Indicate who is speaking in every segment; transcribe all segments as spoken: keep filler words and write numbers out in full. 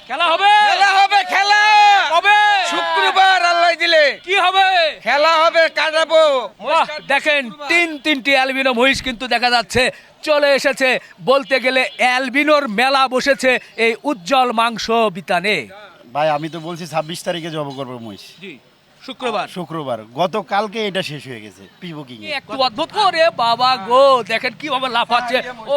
Speaker 1: খেলা হবে
Speaker 2: খেলা হবে খেলা
Speaker 1: কবে?
Speaker 2: শুক্রবার আল্লাহ দিলে
Speaker 1: কি হবে?
Speaker 2: খেলা হবে কাটাবো।
Speaker 1: বাহ, দেখেন তিন তিনটি অ্যালবিনো মহিষ কিন্তু দেখা যাচ্ছে চলে এসেছে। বলতে গেলে অ্যালবিনোর মেলা বসেছে এই উজ্জ্বল মাংস বিতানে।
Speaker 3: ভাই আমি তো বলছি ছাব্বিশ তারিখে জব করবো মহিষ,
Speaker 1: জি, শুক্রবার।
Speaker 3: শুক্রবার। গতকালকে এটা শেষ হয়ে গেছে প্রি বুকিং এ।
Speaker 1: একটু অদ্ভুত করে বাবা গো, দেখেন কিভাবে লাফাচ্ছে।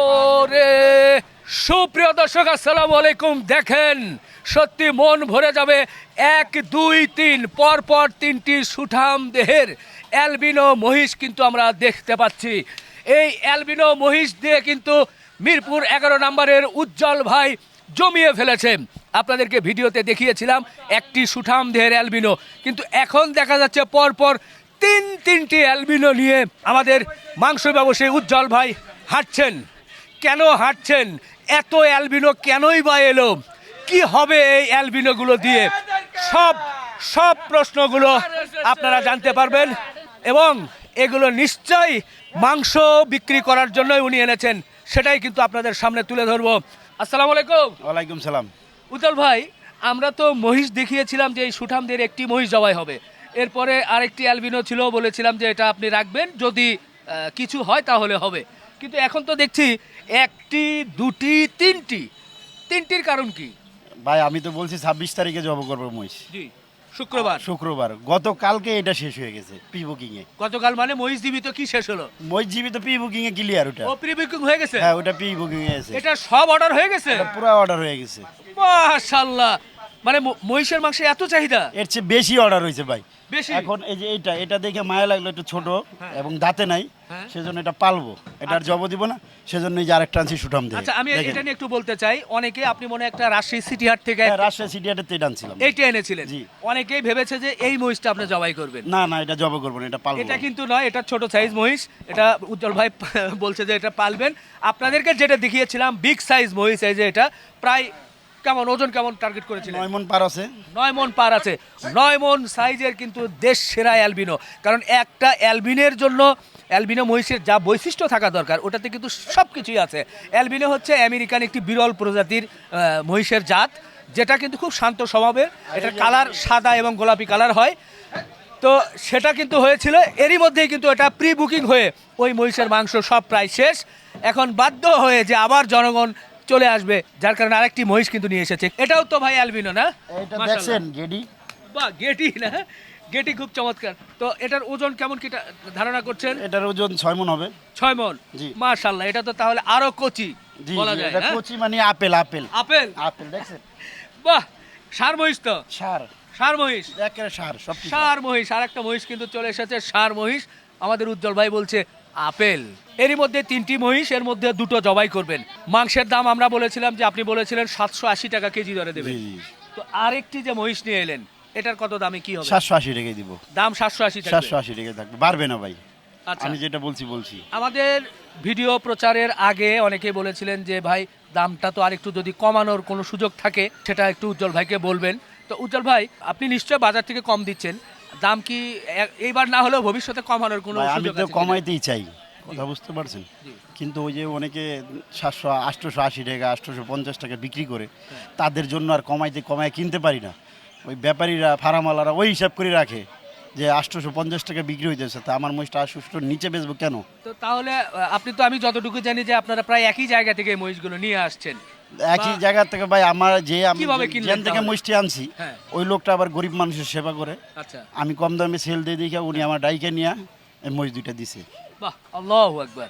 Speaker 1: ওরে সুপ্রিয় দর্শক, আসসালামু আলাইকুম। দেখেন সত্যি মন ভরে যাবে। এক দুই তিন পর পর তিনটি সুঠাম দেহের অ্যালবিনো মহিষ কিন্তু আমরা দেখতে পাচ্ছি। এই অ্যালবিনো মহিষ দিয়ে কিন্তু মিরপুর এগারো নম্বরের উজ্জ্বল ভাই জমিয়ে ফেলেছেন। আপনাদেরকে ভিডিওতে দেখিয়েছিলাম একটি সুঠাম দেহের অ্যালবিনো, কিন্তু এখন দেখা যাচ্ছে পরপর তিন তিনটি অ্যালবিনো নিয়ে আমাদের মাংস ব্যবসায়ী উজ্জ্বল ভাই হাঁটছেন। কেন হাঁটছেন? এত অ্যালবিনো কেনই বা এলো? কি হবে এই অ্যালবিনোগুলো দিয়ে? সব সব প্রশ্নগুলো আপনারা জানতে পারবেন, এবং এগুলো নিশ্চয়ই মাংস বিক্রি করার জন্যই উনি এনেছেন, সেটাই কিন্তু আপনাদের সামনে তুলে ধরবো। আসসালামু আলাইকুম।
Speaker 3: ওয়ালাইকুম সালাম।
Speaker 1: উজ্জ্বল ভাই, আমরা তো মহিষ দেখিয়েছিলাম যে এই সুঠামদের একটি মহিষ জবাই হবে, এরপরে আরেকটি অ্যালবিনো ছিল, বলেছিলাম যে এটা আপনি রাখবেন, যদি আহ, কিছু হয় তাহলে হবে। কিন্তু এখন তো দেখছি একটি দুটি তিনটি তিনটির কারণ কি?
Speaker 3: ভাই আমি তো বলছি ছাব্বিশ তারিখে জব করবো মহিষ,
Speaker 1: জি, শুক্রবার।
Speaker 3: শুক্রবার। গতকালকে এটা শেষ হয়ে গেছে প্রি বুকিং এ।
Speaker 1: গতকাল মানে মহিষ জীবিত কি শেষ হলো?
Speaker 3: মহিষ জীবিত প্রি বুকিং এ ক্লিয়ার ওটা।
Speaker 1: ও প্রি বুকিং হয়ে গেছে?
Speaker 3: হ্যাঁ ওটা প্রি বুকিং এ আছে।
Speaker 1: এটা সব অর্ডার হয়ে গেছে?
Speaker 3: পুরো অর্ডার হয়ে গেছে।
Speaker 1: মাশাআল্লাহ, মানে ম- মহিষের মাংসে এত চাহিদা?
Speaker 3: এর চেয়ে বেশি অর্ডার হয়েছে ভাই।
Speaker 1: বেশি?
Speaker 3: এখন এই যে এইটা এটা দেখে মায়া লাগলো, একটু ছোট এবং দাঁতে নাই,
Speaker 1: হ্যাঁ।
Speaker 3: সেজন্য এটা পালবো, এটা আর জব দিব না, সেজন্য এই যে আরেকটা আনছি সুঠাম দিয়ে।
Speaker 1: আচ্ছা, আমি এটা নিয়ে একটু বলতে চাই। অনেকে, আপনি মনে হয় একটা রাজশাহী সিটি হাট থেকে
Speaker 3: রাজশাহী সিটি হাটের থেকে আনছিলাম।
Speaker 1: এইটা এনেছিলেন।
Speaker 3: জি।
Speaker 1: অনেকেই ভেবেছে যে এই মহিষটা আপনি জবাই করবেন।
Speaker 3: না না এটা জব করবো না, এটা পালবো।
Speaker 1: এটা কিন্তু নয়, এটা ছোট সাইজ মহিষ। এটা উজ্জ্বল ভাই বলছে যে এটা পালবেন। আপনাদেরকে যেটা দেখিয়েছিলাম বিগ সাইজ মহিষ, এই যে এটা প্রায় কেমন ওজন, কেমন টার্গেট করেছিলেন?
Speaker 3: নয় মন পার আছে।
Speaker 1: নয় মন পার আছে। নয় মন সাইজের কিন্তু দেশ সেরা অ্যালবিনো। কারণ একটা অ্যালবিনের জন্য, অ্যালবিনো মহিষের যা বৈশিষ্ট্য থাকা দরকার ওটাতে কিন্তু সব কিছুই আছে। অ্যালবিনো হচ্ছে আমেরিকান একটি বিরল প্রজাতির আহ, মহিষের জাত, যেটা কিন্তু খুব শান্ত স্বভাবের। এটার কালার সাদা এবং গোলাপি কালার হয়। তো সেটা কিন্তু হয়েছিল, এরই মধ্যেই কিন্তু এটা প্রি বুকিং হয়ে ওই মহিষের মাংস সব প্রায় শেষ। এখন বাধ্য হয়ে যে আবার জনগণ চলে আসবে, যার কারণে আরেকটি মহিষ কিন্তু নিয়ে এসেছে। এটাও তো ভাই অ্যালবিনো না?
Speaker 3: এটা
Speaker 1: মাশাআল্লাহ।
Speaker 3: দেখছেন গেডি?
Speaker 1: বাহ, গেটি না? গেটি খুব চমৎকার। তো এটার ওজন কেমন কি টা- ধারণা করছেন?
Speaker 3: এটার ওজন ছয় মন হবে।
Speaker 1: ছয় মন?
Speaker 3: জি।
Speaker 1: মাশাআল্লাহ, এটা তো তাহলে আরো কচি
Speaker 3: জি
Speaker 1: বলা
Speaker 3: জি,
Speaker 1: যায়।
Speaker 3: এটা
Speaker 1: হ্যাঁ?
Speaker 3: কচি মানে আপেল আপেল
Speaker 1: আপেল?
Speaker 3: আপেল দেখছেন?
Speaker 1: বাহ, ষাঁড় মহিষ তো?
Speaker 3: সার,
Speaker 1: ষাঁড় মহিষ,
Speaker 3: একেবারে সার সব কিছু।
Speaker 1: ষাঁড় মহিষ। আর একটা মহিষ কিন্তু চলে এসেছে, ষাঁড় মহিষ। আমাদের উজ্জ্বল ভাই বলছে আপেল। এরই মধ্যে তিনটি মহিষ, এর মধ্যে দুটো জবাই করবেন। মাংসের দাম আমরা বলেছিলাম যে আপনি বলেছিলেন সাতশো আশি টাকা কেজি দরে দেবেন।
Speaker 3: জি জি,
Speaker 1: তো আরেকটি যে মহিষ নিয়ে এলেন, এটার কত দামে কি হবে?
Speaker 3: সাতশো আশি টাকায় দিব।
Speaker 1: দাম সাতশো আশি টাকা।
Speaker 3: সাতশো আশি টাকা থাকবে, বাড়বে না ভাই।
Speaker 1: আচ্ছা,
Speaker 3: আমি যেটা বলছি বলছি।
Speaker 1: আমাদের ভিডিও প্রচারের আগে অনেকে বলেছিলেন যে ভাই দামটা তো আরেকটু যদি কমানোর কোনো সুযোগ থাকে সেটা একটু উজ্জ্বল ভাইকে বলবেন। তো উজ্জ্বল ভাই, আপনি নিশ্চয় বাজার থেকে কম দিচ্ছেন, দাম কি এ- এইবার না হলেও ভবিষ্যতে কমানোর কোনো
Speaker 3: ভাই, আমি
Speaker 1: সুযোগ
Speaker 3: তো
Speaker 1: আছে কিনা?
Speaker 3: কমাইতেই চাই, কথা বুঝতে পারছেন?
Speaker 1: জি।
Speaker 3: কিন্তু ওই যে অনেকে সাতশো আটশোশো আশি টাকা আটশোশো পঞ্চাশ টাকা বিক্রি করে, তাদের জন্য আর কমাইতে কমায় কিনতে পারি না। ওই ব্যাপারীরা ফার্মালারা ওই হিসাব করে রাখে যে আটশোশো পঞ্চাশ টাকা বিক্রি হইতেছে, তা আমার মহিষটা আটশোশোর নিচে বেচবো কেন?
Speaker 1: তো তাহলে আহ, আপনি তো, আমি যতটুকু জানি যে আপনারা প্রায় একই জায়গা থেকে এই মহিষগুলো নিয়ে আসছেন।
Speaker 3: একই
Speaker 1: বা-
Speaker 3: জায়গা থেকে ভাই, আমার যে আমি
Speaker 1: কিভাবে
Speaker 3: যে-
Speaker 1: কিনলেন
Speaker 3: যেখান থেকে
Speaker 1: তাহলে?
Speaker 3: মহিষটি আনছি,
Speaker 1: হ্যাঁ।
Speaker 3: ওই লোকটা আবার গরিব মানুষের সেবা করে।
Speaker 1: আচ্ছা,
Speaker 3: আমি কম দামে সেল দিয়ে দেখে উনি আমার ডাইকে নিয়ে এই মহিষ দুইটা দিছে।
Speaker 1: বাহ, আল্লাহু আকবার।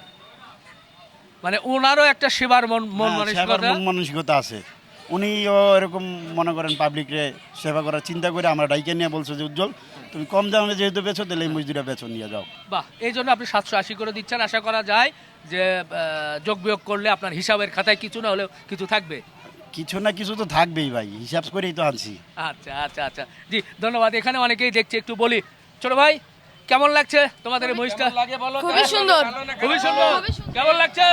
Speaker 1: মানে ওনারও একটা সেবার মন মন
Speaker 3: হ্যাঁ, সেবার
Speaker 1: মানসিকতা।
Speaker 3: মন মানসিকতা আছে। উনিও এরকম মনে করেন পাবলিকরে সেবা করার চিন্তা করে আমরা ডাইকে নিয়ে বলছো যে উজ্জ্বল তুমি কম দামে যেহেতু বেচো, তাহলে এই মহিষ দুইটা বেচো, নিয়ে যাও।
Speaker 1: বাহ, এই জন্য আপনি সাতশো আশি করে দিচ্ছেন। আশা করা যায় যে আহ, যোগ বিয়োগ করলে আপনার হিসাবের খাতায় কিছু না হলেও কিছু থাকবে।
Speaker 3: কিছু না কিছু তো থাকবেই ভাই, হিসাব করেই তো আনছি।
Speaker 1: আচ্ছা আচ্ছা আচ্ছা, জি ধন্যবাদ। এখানে অনেকেই দেখছে, একটু বলি, ছোট ভাই কেমন লাগছে তোমাদের এই মহিষটা?
Speaker 4: খুবই সুন্দর।
Speaker 1: খুবই সুন্দর। কেমন লাগছে?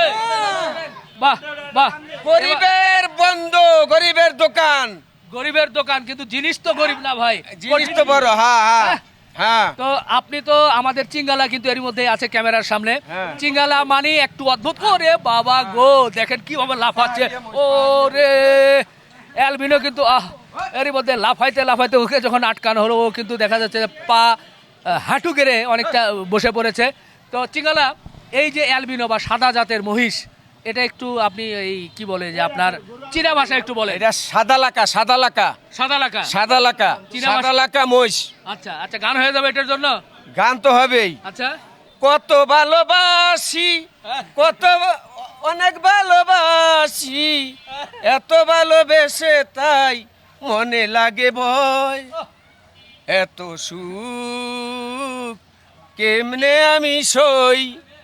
Speaker 1: বাহ বাহ।
Speaker 2: গরিবের বন্ধু, গরিবের দোকান,
Speaker 1: গরিবের দোকান, কিন্তু জিনিস তো গরিব না ভাই,
Speaker 2: জিনিস তো বড়। হ্যাঁ হ্যাঁ হ্যাঁ।
Speaker 1: তো আপনি তো আমাদের চিঙ্গালা কিন্তু এর মধ্যে আছে ক্যামেরার সামনে।
Speaker 2: হ্যাঁ।
Speaker 1: চিঙ্গালা মানে একটু অদ্ভুত করে বাবা গো, দেখেন কিভাবে লাফাচ্ছে। ও রে অ্যালবিনো কিন্তু আহ এরই মধ্যে লাফাইতে লাফাইতে ওকে যখন আটকানো হলো ও কিন্তু দেখা যাচ্ছে যে পা আহ, হাঁটু গেড়ে অনেকটা বসে পড়েছে। তো চিঙ্গালা, এই যে অ্যালবিনো বা সাদা জাতের মহিষ, এটা একটু আপনি এই কি বলে যে আপনার চীনা ভাষা একটু বলে।
Speaker 2: এটা সাদা লাকা সাদা লাকা
Speaker 1: সাদা লাকা।
Speaker 2: সাদা লাকা
Speaker 1: চীনা
Speaker 2: সাদা
Speaker 1: ভাষা-
Speaker 2: লাকা মহিষ।
Speaker 1: আচ্ছা আচ্ছা, গান হয়ে যাবে এটার জন্য।
Speaker 2: গান তো হবেই।
Speaker 1: আচ্ছা
Speaker 2: কত ভালোবাসি, কত ভা- অনেক ভালোবাসি, এত ভালোবেসে তাই মনে লাগে ভয়, এত সুখ কেমনে আমি সই।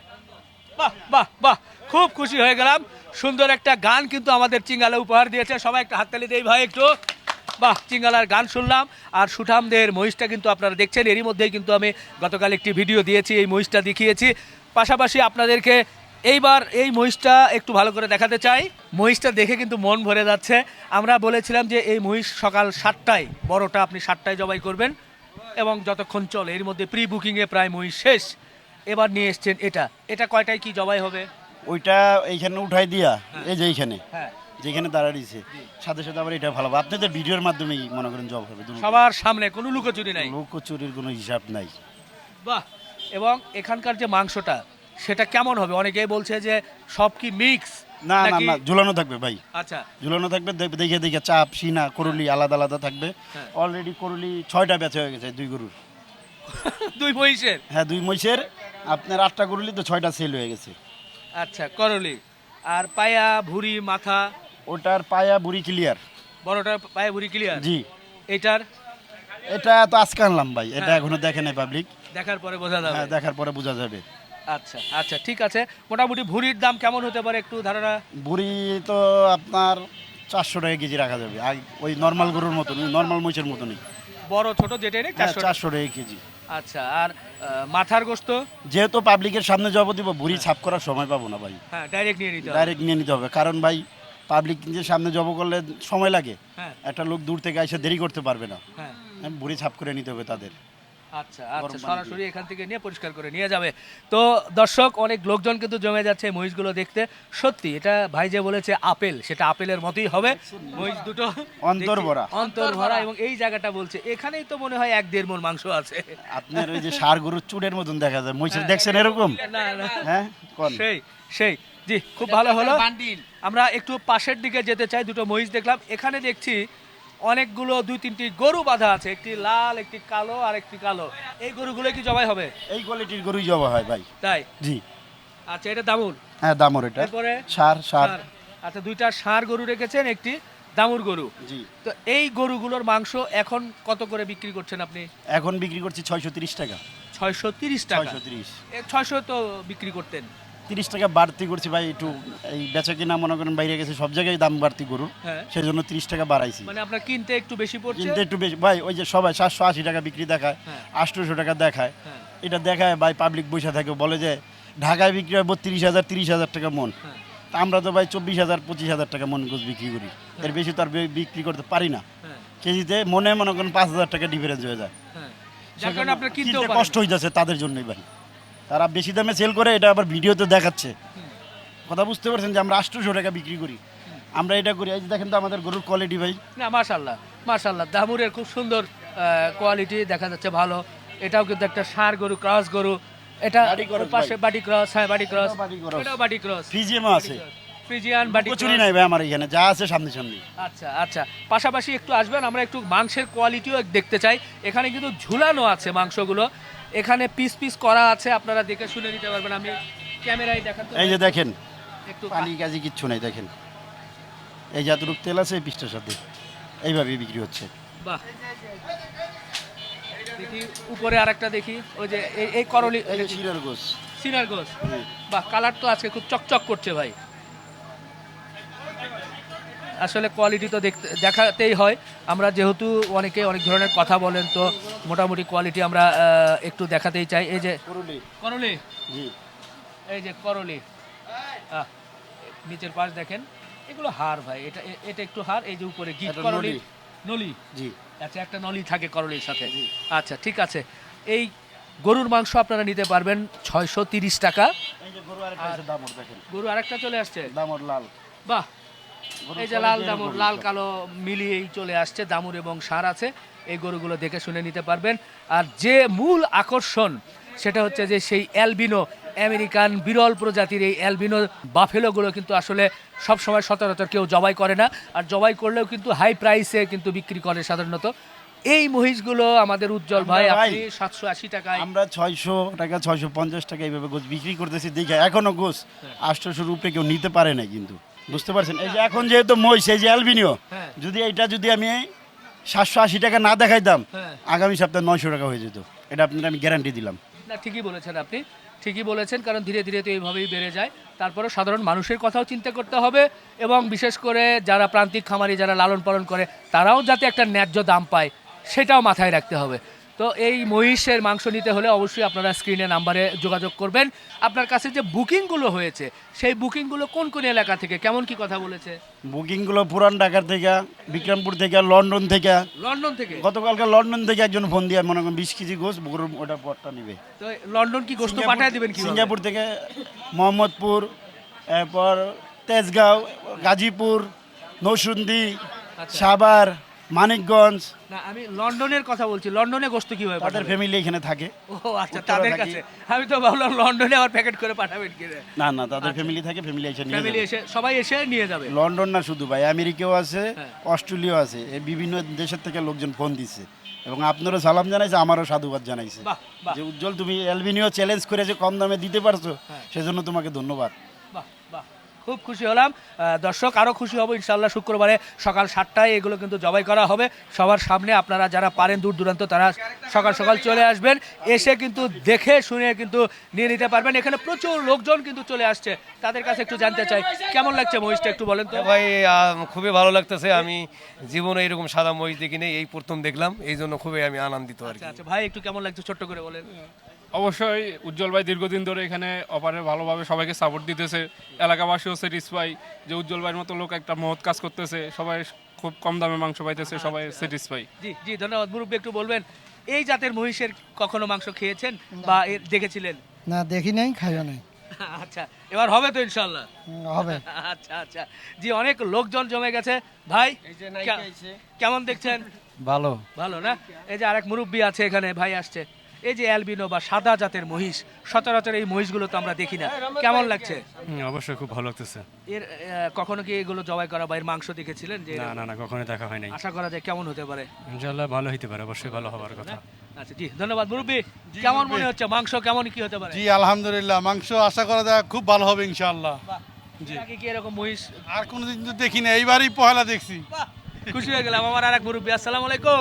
Speaker 1: বাহ বাহ বাহ, খুব খুশি হয়ে গেলাম। সুন্দর একটা গান কিন্তু আমাদের চিঙ্গালা উপহার দিয়েছে। সবাই একটা হাততালি দেই ভাই একটু। বাহ, চিঙ্গালার গান শুনলাম। আর সুঠামদের মহিষটা কিন্তু আপনারা দেখছেন, এরই মধ্যেই কিন্তু আমি গতকাল একটি ভিডিও দিয়েছি, এই মহিষটা দেখিয়েছি। পাশাপাশি আপনাদেরকে এইবার এই মহিষটা একটু ভালো করে দেখাতে চাই। মহিষটা দেখে কিন্তু মন ভরে যাচ্ছে। আমরা বলেছিলাম যে এই মহিষ সকাল সাতটায়, বড়টা আপনি সাতটায় জবাই করবেন এবং যতক্ষণ চলে, এর মধ্যে প্রি বুকিংয়ে প্রায় মহিষ শেষ। এবার নিয়ে এসছেন এটা, এটা কয়টায় কি জবাই হবে?
Speaker 3: ওইটা এইখানে উঠাই দিয়া এই যে এইখানে
Speaker 1: হ্যাঁ,
Speaker 3: যেখানে দাঁড়াইছে সাথে সাথে আবার এটা ভালো হবে। আপনাদের ভিডিওর মাধ্যমেই মনে করেন জব হবে,
Speaker 1: সবার সামনে কোনো লুকোচুরি নাই।
Speaker 3: লোক চুরির কোনো হিসাব নাই।
Speaker 1: বাহ, এবং এখানকার যে মাংসটা সেটা কেমন হবে? অনেকেই বলছে যে সব কি মিক্স
Speaker 3: না না না, ঝুলানো থাকবে ভাই,
Speaker 1: আচ্ছা
Speaker 3: ঝুলানো থাকবে। দেখ- দেখে দেখে চাপ সিনা করুলি আলাদা আলাদা থাকবে।
Speaker 1: হ্যাঁ।
Speaker 3: অলরেডি করুলি ছয়টা বেচা হয়ে গেছে দুই গরুর।
Speaker 1: দুই মহিষের।
Speaker 3: হ্যাঁ, দুই মহিষের আপনার আটটা করলি তো ছয়টা সেল হয়ে গেছে।
Speaker 1: আচ্ছা, করলি। আর পায়া ভুঁড়ি মাথা,
Speaker 3: ওটার পায়া বুড়ি ক্লিয়ার।
Speaker 1: বড়টার পায়া ভুঁড়ি ক্লিয়ার।
Speaker 3: জি,
Speaker 1: এটার
Speaker 3: এটা তো আজকে আনলাম ভাই, এটা
Speaker 1: হ্যাঁ।
Speaker 3: এখনো দেখে নাই পাবলিক।
Speaker 1: দেখার পরে বোঝা যাবে।
Speaker 3: হ্যাঁ, দেখার পরে বোঝা যাবে।
Speaker 1: আচ্ছা আচ্ছা, ঠিক আছে। মোটামুটি ভুঁড়ির দাম কেমন হতে পারে একটু ধারণা?
Speaker 3: বুড়ি তো আপনার চারশো টাকা কেজি রাখা যাবে, আর ওই নর্মাল গরুর মতন, নর্মাল মহিষের মতনই।
Speaker 1: বড় ছোট যেটাই নেই চারশো।
Speaker 3: চারশো টাকা কেজি।
Speaker 1: আচ্ছা, আর আহ, মাথার গোস্ত?
Speaker 3: যেহেতু পাবলিকের সামনে জব দিব, বুড়ি ছাপ করার সময় পাবো না ভাই,
Speaker 1: হ্যাঁ, ডাইরেক্ট নিয়ে নিতে হবে।
Speaker 3: ডাইরেক্ট নিয়ে নিতে হবে। কারণ ভাই পাবলিক যে সামনে জব করলে সময় লাগে,
Speaker 1: হ্যাঁ
Speaker 3: একটা লোক দূর থেকে এসে দেরি করতে পারবে না,
Speaker 1: হ্যাঁ,
Speaker 3: বুড়ি ছাপ করে নিতে হবে তাদের।
Speaker 1: আচ্ছা আচ্ছা,
Speaker 3: গরম পানি
Speaker 1: সরাসরি এখান থেকে নিয়ে পরিষ্কার করে নিয়ে যাবে। তো দর্শক, অনেক লোকজন কিন্তু জমে যাচ্ছে এই মহিষগুলো দেখতে। সত্যি এটা ভাই যে বলেছে আপেল, সেটা আপেলের মতোই হবে। মহিষ দুটো
Speaker 3: অন্তর ভরা।
Speaker 1: অন্তর ভরা, এবং এই জায়গাটা বলছে এখানেই তো মনে হয় এক দেড় মণ মাংস আছে।
Speaker 3: আপনার ওই যে সার গরুর চুড়ের মতন দেখা যায়, মহিষের দেখছেন এরকম?
Speaker 1: না না,
Speaker 3: হ্যাঁ, কোন?
Speaker 1: সেই সেই জি, খুব ভালো হলো। আমরা একটু পাশের দিকে যেতে চাই। দুটো মহিষ দেখলাম, এখানে দেখছি অনেকগুলো দুই তিনটি গরু বাঁধা আছে, একটি লাল, একটি কালো, আর একটি কালো। এই গরুগুলো কি জবাই হবে?
Speaker 3: এই কোয়ালিটির গরুই জবা হয় ভাই।
Speaker 1: তাই?
Speaker 3: জি,
Speaker 1: আচ্ছা, এটা দামুর।
Speaker 3: হ্যাঁ দামর এটা।
Speaker 1: এরপরে
Speaker 3: সার সার
Speaker 1: ষাঁড়। আচ্ছা, দুইটা ষাঁড় গরু রেখেছেন, একটি দামুর গরু।
Speaker 3: জি,
Speaker 1: তো এই গরুগুলোর মাংস এখন কত করে বিক্রি করছেন আপনি?
Speaker 3: এখন বিক্রি করছি ছয়শো তিরিশ টাকা।
Speaker 1: ছয়শো তিরিশ টাকা।
Speaker 3: ছয়শো তিরিশ
Speaker 1: ছয়শো তো বিক্রি করতেন।
Speaker 3: তিরিশ টাকা বাড়তি করছি ভাই, একটু এই বেচা কিনা মনে করেন বাইরে গেছে, সব জায়গায় দাম বাড়তি গরু,
Speaker 1: হ্যাঁ,
Speaker 3: সেই জন্য তিরিশ টাকা বাড়াইছি।
Speaker 1: মানে আপনার কিনতে একটু বেশি পড়ছে।
Speaker 3: কিন্তু একটু বেশি ভাই, ওই যে সবাই সাতশো আশি টাকা বিক্রি দেখায়,
Speaker 1: হ্যাঁ।
Speaker 3: আটশোশো টাকা দেখায়,
Speaker 1: হ্যাঁ
Speaker 3: এটা দেখায় ভাই পাবলিক বসে থাকে, বলে যে ঢাকায় বিক্রি হয় বত্রিশ হাজার তিরিশ হাজার টাকা মন,
Speaker 1: হ্যাঁ
Speaker 3: তা আমরা তো ভাই চব্বিশ হাজার পঁচিশ হাজার টাকা মন গোছ বিক্রি করি, এর বেশি তো আর বে- বিক্রি করতে পারি না।
Speaker 1: হ্যাঁ
Speaker 3: কেজিতে মনে মনে করেন পাঁচ হাজার টাকা ডিফারেন্স হয়ে যায়,
Speaker 1: হ্যাঁ, যার কারণে আপনার কিনতেও
Speaker 3: কিনতে
Speaker 1: পারেন
Speaker 3: কষ্ট হয়ে যাচ্ছে তাদের জন্যই ভাই। তারা বেশি দামে সেল করে, এটা আবার ভিডিওতে দেখাচ্ছে। কথা বুঝতে পারছেন যে আমরা আটশোশো টাকা বিক্রি করি, আমরা এটা করি। এই যে দেখেন তো আমাদের গরুর কোয়ালিটি ভাই।
Speaker 1: না, মাশাল্লাহ মাশাল্লাহ, দামুরের খুব সুন্দর কোয়ালিটি দেখা যাচ্ছে, ভালো। এটাও কিন্তু একটা ষাঁড় গরু, ক্রস গরু। এটা
Speaker 3: বাটি cross
Speaker 1: ওর পাশে
Speaker 3: ভাই।
Speaker 1: বাটি ক্রস, হ্যাঁ বাটি ক্রস,
Speaker 3: এটাও বাটি cross।
Speaker 1: এটাও বাটি ক্রস,
Speaker 3: ফিজিএমও আছে,
Speaker 1: ফ্রিজিয়ান বাটি
Speaker 3: কচুরি
Speaker 1: cross।
Speaker 3: নাই ভাই আমার এখানে, যা আছে সামনে সামনে।
Speaker 1: আচ্ছা আচ্ছা, পাশাপাশি একটু আসবেন, আমরা একটু মাংসের কোয়ালিটিও দেখতে চাই। এখানে কিন্তু ঝুলানো আছে মাংসগুলো, এখানে পিস পিস করা আছে, আপনারা দেখে শুনে নিতে পারবেন। আমি ক্যামেরায় দেখাতে
Speaker 3: এই যে দেখেন,
Speaker 1: একটু
Speaker 3: পানি কাজি কিচ্ছু নাই, দেখেন এই যে এতটুকু তেল আছে এই পিসটার সাথে, এইভাবে বিক্রি হচ্ছে।
Speaker 1: বাহ, দেখি উপরে আরেকটা দেখি, ওই যে এই- এই করলি,
Speaker 3: এই যে শিরার গোস।
Speaker 1: সিনার গোস। বাহ, কালার তো আজকে খুব চকচক করছে ভাই। আসলে কোয়ালিটি তো দেখতে দেখাতেই হয়। আমরা যেহেতু অনেকে অনেক ধরনের কথা বলেন, তো মোটামুটি কোয়ালিটি আমরা আহ, একটু দেখাতেই চাই। এই যে
Speaker 3: করলি
Speaker 1: করলি,
Speaker 3: জি,
Speaker 1: এই যে করলি, আহ, নিচের পাশ দেখেন, এগুলো হাড় ভাই, এটা এ- এটা একটু হাড়। এই যে উপরে গিট
Speaker 3: এটা
Speaker 1: করলি,
Speaker 3: নলি।
Speaker 1: নলি।
Speaker 3: জি,
Speaker 1: আচ্ছা, একটা নলি থাকে করলির সাথে। আচ্ছা, ঠিক আছে। এই গরুর মাংস আপনারা নিতে পারবেন ছয়শো তিরিশ টাকা।
Speaker 3: এই যে গরু আরেকটা আছে দামর, দেখেন
Speaker 1: গরু আরেকটা চলে আসছে,
Speaker 3: দামর লাল।
Speaker 1: বাহ, এই যে লাল দামুর লাল কালো মিলিয়েই চলে আসছে, দামুর এবং সার আছে, এই গরুগুলো দেখে শুনে নিতে পারবেন। আর যে মূল আকর্ষণ সেটা হচ্ছে যে সেই অ্যালবিনো আমেরিকান বিরল প্রজাতির এই অ্যালবিনো বাফেলোগুলো কিন্তু আসলে সব সময় সচরাচর কেউ জবাই করে না, আর জবাই করলেও কিন্তু হাই প্রাইসে কিন্তু বিক্রি করে সাধারণত। এই মহিষগুলো আমাদের উজ্জ্বল ভাই
Speaker 3: আমরা ভাই,
Speaker 1: আপনি সাতশো আশি টাকায়
Speaker 3: আমরা ছয়শো টাকা ছয়শো পঞ্চাশ টাকা এইভাবে গোছ বিক্রি করতেছি দেখে এখনো গোছ আটশোশোর উপরে কেউ নিতে পারে না কিন্তু, বুঝতে পারছেন? এই যে এখন যেহেতু মহিষ এই যে অ্যালবিনিও,
Speaker 1: হ্যাঁ।
Speaker 3: যদি এইটা যদি আমি সাতশো আশি টাকা না দেখাইতাম
Speaker 1: হ্যাঁ।
Speaker 3: আগামী সপ্তাহে নয়শো টাকা হয়ে যেত, এটা আপনার আমি গ্যারান্টি দিলাম।
Speaker 1: না ঠিকই বলেছেন আপনি, ঠিকই বলেছেন, কারণ ধীরে ধীরে তো এইভাবেই বেড়ে যায়। তারপরেও সাধারণ মানুষের কথাও চিন্তা করতে হবে, এবং বিশেষ করে যারা প্রান্তিক খামারি যারা লালন পালন করে তারাও যাতে একটা ন্যায্য দাম পায় সেটাও মাথায় রাখতে হবে। তো এই মহিষের মাংস নিতে হলে অবশ্যই আপনারা স্ক্রিনে নাম্বারে যোগাযোগ করবেন। আপনার কাছে যে বুকিংগুলো হয়েছে সেই বুকিংগুলো কোন কোন এলাকা থেকে, কেমন কি কথা বলেছে?
Speaker 3: বুকিংগুলো পুরান ঢাকার থেকে, বিক্রমপুর থেকে, লন্ডন থেকে।
Speaker 1: লন্ডন থেকে?
Speaker 3: গতকালকে লন্ডন থেকে একজন ফোন দিয়ে মনে করেন বিশ কেজি গোস গরুর ওটা পটটা নিবে।
Speaker 1: তো লন্ডন কি গোশত পাঠিয়ে দিবেন কি?
Speaker 3: সিঙ্গাপুর থেকে, মোহাম্মদপুর, এরপর তেজগাঁও, গাজীপুর, নৌসুন্দি, সাভার, মানিকগঞ্জ।
Speaker 1: না আমি লন্ডনের কথা বলছি, লন্ডনে গোশত কিভাবে
Speaker 3: তাদের
Speaker 1: পাঠাবেন?
Speaker 3: ফ্যামিলি এখানে থাকে।
Speaker 1: ও আচ্ছা,
Speaker 3: উত্তরা
Speaker 1: তাদের
Speaker 3: থাকি।
Speaker 1: কাছে। আমি তো ভাবলাম লন্ডনে আবার প্যাকেট করে পাঠাবেন কি।
Speaker 3: না না, তাদের ফ্যামিলি থাকে, ফ্যামিলি এসে নিয়ে
Speaker 1: ফ্যামিলি
Speaker 3: যাবে।
Speaker 1: এসে সবাই এসে নিয়ে যাবে?
Speaker 3: লন্ডন না শুধু ভাই, আমেরিকাও আছে,
Speaker 1: হ্যাঁ।
Speaker 3: অস্ট্রেলিয়াও আছে, এই বিভিন্ন দেশের থেকে লোকজন ফোন দিছে এবং আপনারও সালাম জানাইছে, আমারও সাধুবাদ জানাইছে
Speaker 1: বাহ বাহ
Speaker 3: যে উজ্জ্বল তুমি অ্যালবিনিও চ্যালেঞ্জ করে যে কম দামে দিতে পারছো,
Speaker 1: হ্যাঁ।
Speaker 3: সেজন্য তোমাকে ধন্যবাদ।
Speaker 1: বাহ বাহ, খুব খুশি হলাম। আহ, দর্শক আরও খুশি হব ইনশাল্লাহ। শুক্রবারে সকাল সাতটায় এগুলো কিন্তু জবাই করা হবে সবার সামনে। আপনারা যারা পারেন দূর দূরান্ত তারা সকাল সকাল চলে আসবেন, এসে কিন্তু দেখে শুনে কিন্তু নিয়ে নিতে পারবেন। এখানে প্রচুর লোকজন কিন্তু চলে আসছে, তাদের কাছে একটু জানতে চাই কেমন লাগছে মহিষটা, একটু বলেন তো
Speaker 4: ভাই আহ, খুবই ভালো লাগতেছে। আমি জীবনে এরকম সাদা মহিষ দেখিনি, এই প্রথম দেখলাম, এই জন্য খুবই আমি আনন্দিত আর কি।
Speaker 1: আচ্ছা আচ্ছা ভাই, একটু কেমন লাগছে ছোট্ট করে বলেন।
Speaker 5: অবশ্যই উজ্জ্বল ভাই দীর্ঘদিন ধরে এখানে অপারে ভালোভাবে সবাইকে সাপোর্ট দিতেছে, এলাকাবাসীও স্যাটিসফাই যে উজ্জ্বল ভাইয়ের মতো লোক একটা মহৎ কাজ করতেছে, সবাই খুব কম দামে মাংস পাইতেছে, সবাই স্যাটিসফাই।
Speaker 1: জি জি ধন্যবাদ। মুরব্বী একটু বলবেন এই জাতের মহিষের কখনো মাংস খেয়েছেন বা এর দেখেছিলেন?
Speaker 6: না দেখি নাই, খাইও নাই।
Speaker 1: আচ্ছা, এবার হবে তো ইনশাল্লাহ?
Speaker 6: হুম, হবে।
Speaker 1: আচ্ছা আচ্ছা জি, অনেক লোকজন জমে গেছে ভাই। কে- কেমন দেখছেন?
Speaker 6: ভালো।
Speaker 1: ভালো না? এই যে আরেক মুরব্বী আছে এখানে, ভাই আসছে। এই যে অ্যালবিনো বা সাদা জাতের মহিষ, সচরাচর এই মহিষগুলো তো আমরা দেখি না, কেমন লাগছে?
Speaker 5: অবশ্যই খুব ভালো লাগতেছে।
Speaker 1: এর আহ, কখনো কি এগুলো জবাই করা বা এর মাংস দেখেছিলেন? যে
Speaker 5: না না না, কখনোই দেখা হয় নাই।
Speaker 1: আশা করা যায় কেমন হতে পারে?
Speaker 5: ইনশাআল্লাহ ভালো হইতে পারে, অবশ্যই ভালো হবার কথা।
Speaker 1: আচ্ছা জি ধন্যবাদ। মুরব্বী কেমন মনে হচ্ছে মাংস কেমন কি হতে পারে?
Speaker 7: জি আলহামদুলিল্লাহ, মাংস আশা করা যায় খুব ভালো হবে ইনশাআল্লাহ।
Speaker 1: বাহ, এর আগে কি এরকম মহিষ?
Speaker 7: আর কোনোদিন তো দেখি না, এইবারই পহেলা দেখছি।
Speaker 1: বাহ, খুশি হয়ে গেলাম। আমার আরেক মুরব্বী, আসসালামু আলাইকুম।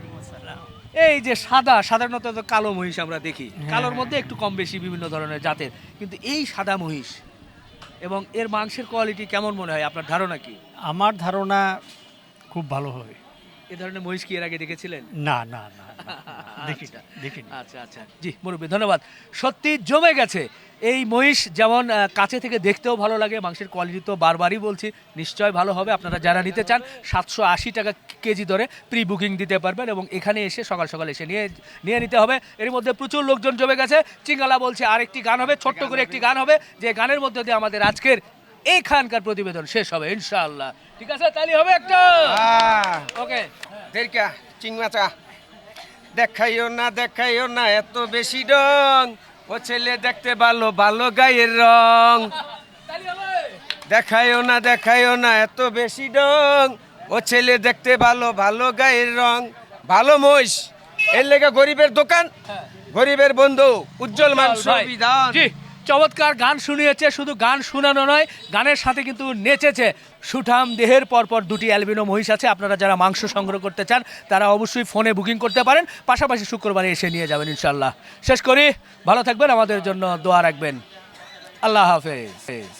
Speaker 1: এই যে সাদা, সাধারণত তো কালো মহিষ আমরা দেখি, কালোর মধ্যে একটু কম বেশি বিভিন্ন ধরনের জাতের, কিন্তু এই সাদা মহিষ এবং এর মাংসের কোয়ালিটি কেমন মনে হয়, আপনার ধারণা কি?
Speaker 8: আমার ধারণা খুব ভালো হবে।
Speaker 1: এ ধরনের মহিষ কি এর আগে দেখেছিলেন?
Speaker 8: না না না, দেখি
Speaker 1: আচ্ছা,
Speaker 8: দেখিনি।
Speaker 1: আচ্ছা আচ্ছা জি মুরব্বী ধন্যবাদ। সত্যি জমে গেছে এই মহিষ, যেমন আহ, কাছে থেকে দেখতেও ভালো লাগে, মাংসের কোয়ালিটি তো বারবারই বলছি নিশ্চয় ভালো হবে। আপনারা যারা নিতে চান সাতশো আশি টাকা কেজি দরে প্রি বুকিং দিতে পারবেন এবং এখানে এসে সকাল সকাল এসে নিয়ে নিয়ে নিতে হবে। এর মধ্যে প্রচুর লোকজন জমে গেছে। চিঙ্গালা বলছে আরেকটি গান হবে, ছোট্ট করে একটি গান হবে, যে গানের মধ্যে দিয়ে আমাদের আজকের এইখানকার প্রতিবেদন শেষ হবে ইনশাআল্লাহ। ঠিক আছে, তালি হবে একটা। ওকে
Speaker 2: দেরকা চিংমাচা দেখাইও না দেখাইও না এত বেশি রং, ও ছেলে দেখতে ভালো ভালো গায়ের রং।
Speaker 1: তালি হবে।
Speaker 2: দেখাইও না দেখাইও না এত বেশি রং, ও ছেলে দেখতে ভালো ভালো গায়ের রং। ভালো মহিষ, এর লেগে গরিবের দোকান, গরিবের বন্ধু উজ্জ্বল মাংস
Speaker 1: ভাই,
Speaker 2: বিধান।
Speaker 1: জি চমৎকার গান শুনিয়েছে, শুধু গান শোনানো নয়, গানের সাথে কিন্তু নেচেছে। সুঠাম দেহের পরপর দুটি অ্যালবিনো মহিষ আছে। আপনারা যারা মাংস সংগ্রহ করতে চান তারা অবশ্যই ফোনে বুকিং করতে পারেন, পাশাপাশি শুক্রবারে এসে নিয়ে যাবেন ইনশাল্লাহ। শেষ করি, ভালো থাকবেন, আমাদের জন্য দোয়া রাখবেন। আল্লাহ হাফেজ।